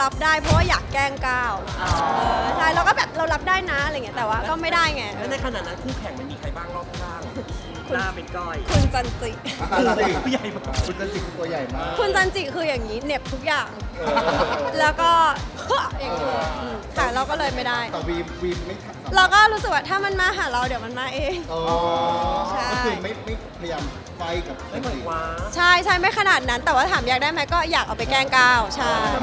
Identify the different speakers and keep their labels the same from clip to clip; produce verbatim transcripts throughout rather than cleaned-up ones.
Speaker 1: รับได้เพราะว่าอยากแกล้งก้าวใช่เราก็แบบเรารับได้นะอะไรเงี้ยแต่ว่าก็ไม่ได้ไง
Speaker 2: แล้วในขณะนั้นคู่แข่งมันมีใครบ้างรอบข้างหน้าเป็นก้อย
Speaker 1: คุณจันจิ
Speaker 2: ผู้ใหญ่มาก
Speaker 3: คุณจันจิคือตัวใหญ่มาก
Speaker 1: คุณจันจิคืออย่างนี้เหน็บทุกอย่าง แล้วก็ อย่างนี้อืมค่ะเราก็เลยไม่ได้
Speaker 3: แต่วีมวีมไม่ทำ
Speaker 1: เราก็รู้สึกว่าถ้ามันมาหาเราเดี๋ยวมันมาเอง
Speaker 3: อ๋อ
Speaker 1: ใช่
Speaker 3: ก็คือไม่ไม่พยายามไฟกับ
Speaker 2: ไม่
Speaker 3: จัน
Speaker 2: เหมือน
Speaker 3: จิ
Speaker 2: ว้า
Speaker 1: ใช่ใช่ไม่ขนาดนั้น แต่ว่าถามอยากได้ไหมก็อยากเอาไปแกล้งก้าวใช่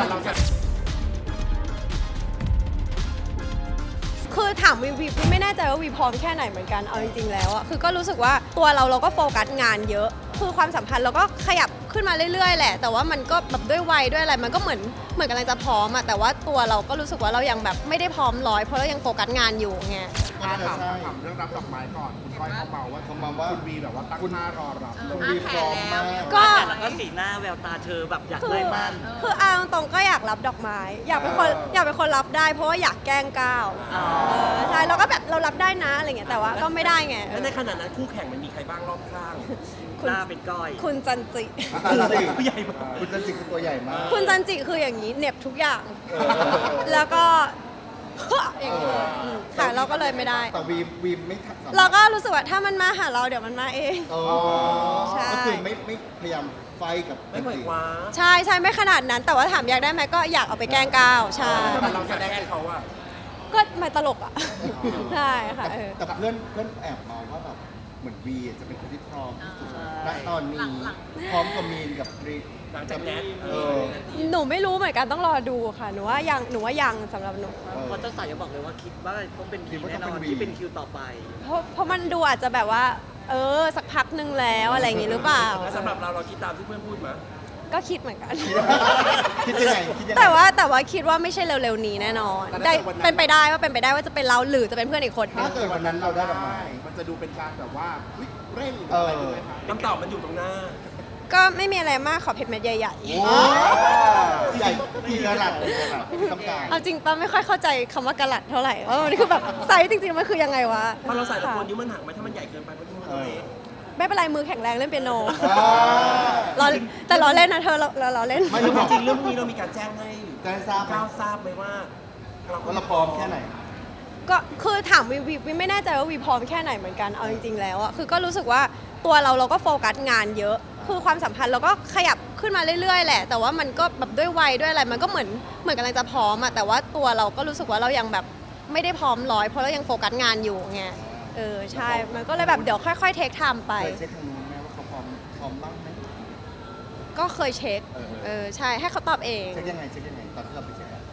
Speaker 1: คือถามวีวีวีไม่แน่ใจว่าวีพร้อมแค่ไหนเหมือนกันเอาจริงๆแล้วอะคือก็รู้สึกว่าตัวเราเราก็โฟกัสงานเยอะ คือความสัมพันธ์เราก็ขยับขึ้นมาเรื่อยๆแหละ แต่ว่ามันก็แบบด้วยวัยด้วยอะไรมันก็เหมือนเหมือนกำลังจะพร้อมอะแต่ว่าตัวเราก็รู้สึกว่าเรายังแบบไม่ได้พร้อมร้อยเพราะเรายังโฟกัสงานอยู่ไง
Speaker 3: ก็น่าจะ
Speaker 4: ถาม
Speaker 3: ใช่
Speaker 4: ถามเรื่องรับดอกไม้ก่อน คุณก้อยเขาเมาว่า
Speaker 3: เขาเมาว่า
Speaker 4: คุณวีแบบว่าตั้งหน้ารอรับ
Speaker 3: คุณวีพร้อมมาก
Speaker 1: ก็
Speaker 5: แล้วก็สีหน้าแววตาเธอแบบอยาก
Speaker 1: คือ
Speaker 5: ได้มั่น
Speaker 1: คือเอาตรงๆก็อยากรับดอกไม้ อยากเป็นคนอยากเป็นคนรับได้เพราะว่าอยากแกล้งก้าวเออใช่เราก็แบบเรารับได้นะอะไรเงี้ยแต่ว่าก็ไม่ได้ไง
Speaker 2: แล้วในขณะนั้นคู่แข่งมันมีใครบ้างรอบข้าง
Speaker 1: คุณ
Speaker 5: หน้าเป็นก้อย
Speaker 1: คุณจันจิ
Speaker 3: จันจิ
Speaker 2: ผู้ใหญ่มาก
Speaker 3: คุณจันจิคือตัวใหญ่มาก
Speaker 1: คุณจันจิคืออย่างนี้เหน็บทุกอย่าง แล้วก็ อย่างนี้อืมค่ะเราก็เลยไม่ได้
Speaker 3: แต่วีมวีมไม่ทำ
Speaker 1: เราก็รู้สึกว่าถ้ามันมาหาเราเดี๋ยวมันมาเอง
Speaker 3: อ๋อ
Speaker 1: ใช่
Speaker 3: ก็คือไม่ไม่พยายามไฟกับ
Speaker 2: ไม่
Speaker 3: จัน
Speaker 2: เหมือน
Speaker 3: จิ
Speaker 2: ว้า
Speaker 1: ใช่ใช่ไม่ขนาดนั้น แต่ว่าถามอยากได้ไหมก็อยากเอาไปแกล้งก้าวใช่
Speaker 2: แต่เราแสดงให้เขาอะ
Speaker 1: ก็ไม่ตลกอ่ะ ใช่ค่ะเออ
Speaker 3: แต่เพื่อนเพื่อนแอบมองว่าแบบเหมือนวีจะเป็นคนที่พร้อมที่สุดณตอนนี้พร้อมกับมีนกับกรีก
Speaker 2: หลังจากแนท
Speaker 3: เออ
Speaker 1: หนูไม่รู้เหมือนกันต้องรอดูค่ะ หนูว่ายังหนูว่ายังสำหรับหนู
Speaker 5: เพราะเจ้าสาวยังบอกเลยว่าคิดว่าต้องเป็น
Speaker 3: คิ
Speaker 5: วี
Speaker 3: ดว่า
Speaker 5: แน่
Speaker 3: ต้อง
Speaker 5: น
Speaker 3: เป็
Speaker 5: อน
Speaker 3: นวี
Speaker 5: ที่เป็นคิวต่อไป
Speaker 1: เพราะเพราะมันดูอาจจะแบบว่า เออ สักพักหนึ่งแล้วอะไรอย่างงี้หรือเปล่า
Speaker 2: แล้วสำหรับเราเราคิดตามที่เพื่อนพูดมา
Speaker 1: ก็คิดเหมือนกัน
Speaker 3: คิดยังไงคิดยังไง
Speaker 1: แต่ว่าแต่ว่าคิดว่าไม่ใช่เร็วๆนี้แน่นอนได้เป็นไปได้ว่าเป็นไปได้ว่าจะเป็นเราหรือจะเป็นเพื่อนอีกคนหนึ
Speaker 3: ถ้าง เกิดวันนั้นเราได้ดอกไม้
Speaker 4: มันจะดูเป็นการแบบว่าอุ๊ยเร่งหรือ
Speaker 3: เอออ
Speaker 4: อะไรถูกไหมคะ
Speaker 2: คำตอบมันอยู่ตรงหน้า
Speaker 1: ก็ไม่มีอะไรมากขอเพชรเม็ดใหญ่
Speaker 3: โอ้ใหญ่กี่กะรัตกี่กะรัตต้องการ
Speaker 1: ๆ เอาจริงป้าไม่ค่อยเข้าใจคำว่ากะลัดเท่าไหร่ว่ามันคือแบบไซส์จริงๆมันคือยังไงวะ
Speaker 2: พอเราใส่ตะโกน
Speaker 1: ค่ะ
Speaker 2: นิ้วมันหักไหมถ้ามันใหญ่เกินไปมันนิ้วมัน
Speaker 3: เออ
Speaker 2: เล็ก
Speaker 1: ไม่เป็นไรมือแข็งแรงเล่นเปียโน
Speaker 3: อ่า
Speaker 1: เราแต่เราเล่นนะเธอเราเราเราเล่น
Speaker 2: ไม่รู้จริงๆเรื่องพวกนี้เรามีการแจ้งให้
Speaker 3: จะได้ทราบไหม
Speaker 2: ก้าวทราบไหมว่า
Speaker 3: ว่าเราพร้อมแค่ไหน
Speaker 1: ก็คือถามวีวีวีไม่แน่ใจว่าวีพร้อมแค่ไหนเหมือนกันเอาจริงๆแล้วอะคือก็รู้สึกว่าตัวเราเราก็โฟกัสงานเยอะ คือความสัมพันธ์เราก็ขยับขึ้นมาเรื่อยๆแหละ แต่ว่ามันก็แบบด้วยวัยด้วยอะไรมันก็เหมือนเหมือนกำลังจะพร้อมอะแต่ว่าตัวเราก็รู้สึกว่าเรายังแบบไม่ได้พร้อมร้อยเพราะเรายังโฟกัสงานอยู่ไงเออใช่มันก็เลยแบบเดี๋ยวค่อยๆเทคไทม์ไป
Speaker 3: เคยเช็คทางนู้นไหมว่าเขาพร้อมพร้อมบ้างไหม
Speaker 1: ก็เคยเช็ค
Speaker 3: เออ
Speaker 1: เออใช่ให้เขาตอบเอง
Speaker 3: เช็คยังไงเช็คยังไงตอนที่เราไปเช็คอะ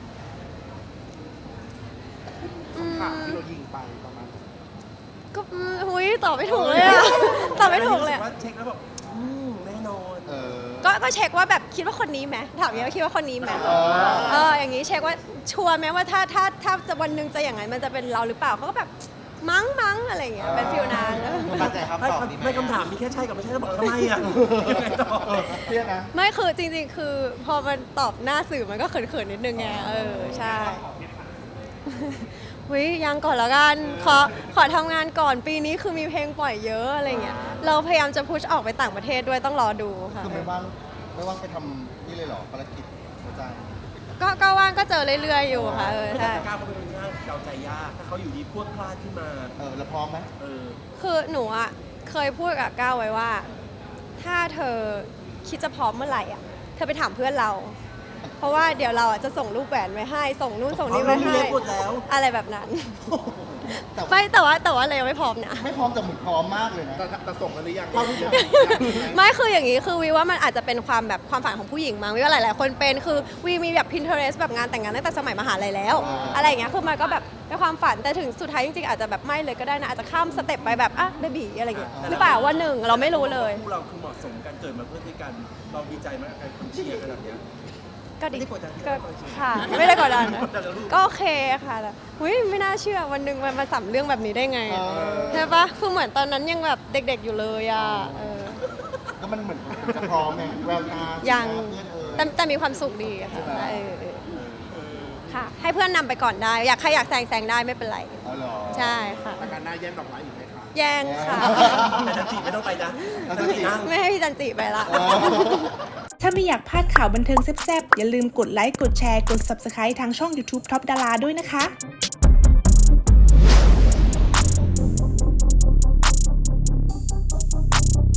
Speaker 1: อืม
Speaker 4: ถามที่เรายิงไปประมาณ
Speaker 1: ก็อืมหุยตอบไม่ถูกเลยอะตอบไม่ถูกเลย
Speaker 2: รู้สึ
Speaker 1: อะ
Speaker 2: ว่าเช็คแล้วแบบอืมแน่นอน
Speaker 3: เออ
Speaker 1: ก็ก็เช็คว่าแบบคิดว่าคนนี้ไหมถามอย่างนี้ว่าคิดว่าคนนี้ไหม
Speaker 3: เออ
Speaker 1: เอออย่างนี้เช็คว่าชัวร์ไหมว่าถ้าถ้าถ้าจะวันหนึ่งจะอย่างนั้นมันจะเป็นเราหรือเปล่าเขาก็แบบมั้งมั้งอะไรอย่างเงี้ยเป็นฟิลนั้น
Speaker 3: มั่นใจครับ
Speaker 2: ไม่
Speaker 3: ตอบดีไหม
Speaker 2: ไม่คำถามมีแค่ใช่กับไม่ใช่แล้วบอกทำไมอ่ะยังไงต่อ
Speaker 3: เออเครียดนะ
Speaker 1: ไม่คือจริงๆ คือพอมันตอบหน้าสื่อมันก็เขินๆนิดนึงไงเออใช่วิยังก่อนแล้วกันขอขอทำงานก่อนปีนี้คือมีเพลงปล่อยเยอะอะไรเงี้ยเราพยายามจะพุชออกไปต่างประเทศด้วยต้องรอดูค่ะ
Speaker 3: คือไม่ว่างไม่ว่างไปทำนี่เลยเหรอภารกิจอาจารย์
Speaker 1: ก็ก็ว่างก็เจอเรื่อยๆอยู่ค่ะเออ
Speaker 2: แต่
Speaker 1: ใช่
Speaker 2: ก้าวเขาเป็นคนที่เดาใจยากถ้าเขาอยู่ดีพรวดพลาดขึ้นมา
Speaker 3: เออแล้วพร้อมไหม
Speaker 2: เออ
Speaker 1: คือหนูอ่ะเคยพูดกับก้าวไว้ว่า ถ้าเธอคิดจะพร้อมเมื่อไหร่อ่ะเธอไปถามเพื่อนเรา เพราะว่าเดี๋ยวเราอ่ะจะส่งรูปแหวนไว้ให้ ส่งนู่นส่งนี่ไว้
Speaker 2: เอารูป
Speaker 1: ให้
Speaker 2: เล็กหมดแล้ว
Speaker 1: อะไรแบบนั้น
Speaker 3: แต่
Speaker 1: ไม่แต่ว่าแต่ว่าเรายังไม่พร้อมนะ
Speaker 3: ไม่พร้อมแต่เหมือนพร้อมมากเลยนะ
Speaker 4: แต่แต่ส่งกันหรือยัง
Speaker 3: เข้าที่ยัง
Speaker 1: ไม่คืออย่างนี้คือวีว่ามันอาจจะเป็นความแบบความฝันของผู้หญิงมั้งวีว่าหลาย ๆ คนเป็นคือวีมีแบบ Pinterest แบบงานแต่งงานตั้งแต่สมัยมหาลัยแล้ว
Speaker 3: อ่า
Speaker 1: อะไรอย่างเงี้ยคือมันก็แบบเป็นความฝันแต่ถึงสุดท้ายจริง ๆ อาจจะแบบไม่เลยก็ได้นะอาจจะข้ามสเต็ปไปแบบอ่ะเบบีอะไรอย่างเงี้ยหรือเปล่าวันหนึ่งเราไม่รู้เลย
Speaker 2: คู่เราคือเหมาะสมกันเกิดมาเพื่อด้วยกัน เราดีใจมากกับการคนเชียร์ขนาดเนี้ย
Speaker 1: ก็ดี
Speaker 2: ไม่ได้กดดัน
Speaker 1: ก็ค่ะ ไม่ได้กดดันนะ
Speaker 2: กดดันแล้วลูก
Speaker 1: ก็โอเคค่ะแต่หุยไม่น่าเชื่อวันหนึ่งมันมาสัมเรื่องแบบนี้ได้ไง
Speaker 3: เออ
Speaker 1: ใช่ปะคือเหมือนตอนนั้นยังแบบเด็ก ๆ อยู่เลยอ่ะเออ
Speaker 3: ก็มันเหมือนจะพร้อมไงแววตา
Speaker 1: ยัง
Speaker 3: เพื่อนเออ
Speaker 1: แต่แต่มีความสุขดีค่ะเออเออค่ะ ให้เพื่อนนำไปก่อนได้ อยากใครอยากแซงแซงได้ไม่เป็นไร
Speaker 3: อ๋อเหรอ
Speaker 1: ใช่ค่ะ
Speaker 4: แต่การหน้าแย่งดอกไม้อยู่ไหมคะ
Speaker 1: แย่งค่ะ
Speaker 2: แต่จันจีไม่ต้องไปนะ
Speaker 3: แล้วจันจิ
Speaker 2: นั่ง
Speaker 1: ไม่ให้พี่จันจิไปละ
Speaker 3: เออ
Speaker 6: ถ้าไม่อยากพลาดข่าวบันเทิงแซ่บๆอย่าลืมกดไลค์กดแชร์กด ซับสไครบ์ ทางช่อง ยูทูบ ท็อปดารา ด้วยนะคะ